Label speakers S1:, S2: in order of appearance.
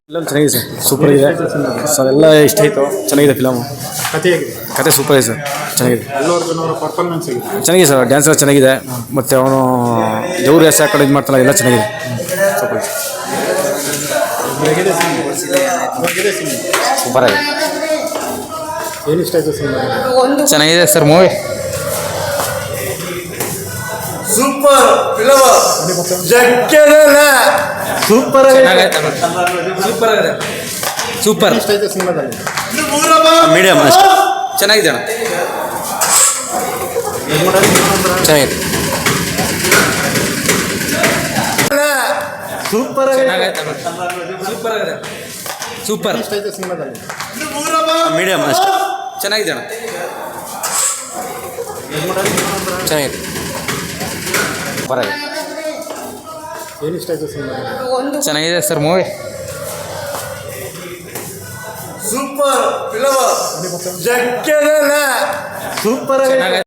S1: Film ಚೆನ್ನಾಗಿದೆ sir, super ಇದೆ sir, ಎಲ್ಲ ಇಷ್ಟ ಆಯಿತು. ಚೆನ್ನಾಗಿದೆ ಫಿಲಮು,
S2: ಕಥೆ ಹೇಗಿದೆ?
S1: ಕತೆ ಸೂಪರ್ ಇದೆ ಸರ್, ಚೆನ್ನಾಗಿದೆ.
S2: ಅಲ್ಲು ಅರ್ಜುನ್ ಅವರ ಪರ್ಫಾರ್ಮೆನ್ಸ್ ಹೇಗಿದೆ?
S1: ಚೆನ್ನಾಗಿದೆ ಸರ್, ಡ್ಯಾನ್ಸ್ ಎಲ್ಲ ಚೆನ್ನಾಗಿದೆ. ಮತ್ತು ಅವನು ದೇವ್ರ ಹೆಸರು ಹಾಕೊಂಡು ಇದು ಮಾಡ್ತಾನೆ, ಎಲ್ಲ ಚೆನ್ನಾಗಿದೆ. ಸೂಪರ್
S2: ಹೇಗಿದೆ ಸಿನಿಮಾ? ಹೇಗಿದೆ ಸಿನಿಮಾ?
S1: ಸೂಪರ್ ಆಗಿದೆ.
S2: ಏನು ಇಷ್ಟ ಆಯಿತು ಸಿನಿಮಾ?
S1: ಚೆನ್ನಾಗಿದೆ ಸರ್ ಮೂವಿ.
S3: ಸೂಪರ್ ಫಿಲಮ್, ಜಗ್ಗೇನ ಸೂಪರ್
S1: ಸೂಪರ್ ಆಗಿದೆ, ಸೂಪರ್.
S2: ಇಷ್ಟ ಆಯಿತು ಸಿನಿಮಾದಲ್ಲಿ?
S1: ಮೀಡಿಯಮ್ ಅಷ್ಟೇ, ಚೆನ್ನಾಗಿದೆ ಅಣ್ಣ, ಚೆನ್ನಾಗಿದೆ.
S3: ಸೂಪರ್
S1: ಸೂಪರ್ ಆಗಿದೆ, ಸೂಪರ್.
S2: ಇಷ್ಟ ಆಯಿತು ಸಿನಿಮಾದಲ್ಲಿ?
S1: ಮೀಡಿಯಮ್ ಅಷ್ಟೇ, ಚೆನ್ನಾಗಿದೆ ಅಣ್ಣ, ಚೆನ್ನಾಗಿದೆ. ಸೂಪರ್ ಆಗಿದೆ.
S2: ಏನು ಇಷ್ಟ ಆಯಿತು ಸಿನಿಮಾದಲ್ಲಿ?
S1: ಚೆನ್ನಾಗಿದೆ ಸರ್ ಮೂವಿ.
S3: ಸೂಪರ್ ಫಿಲಮ್, ಜಗ್ಗೇನ ಸೂಪರ್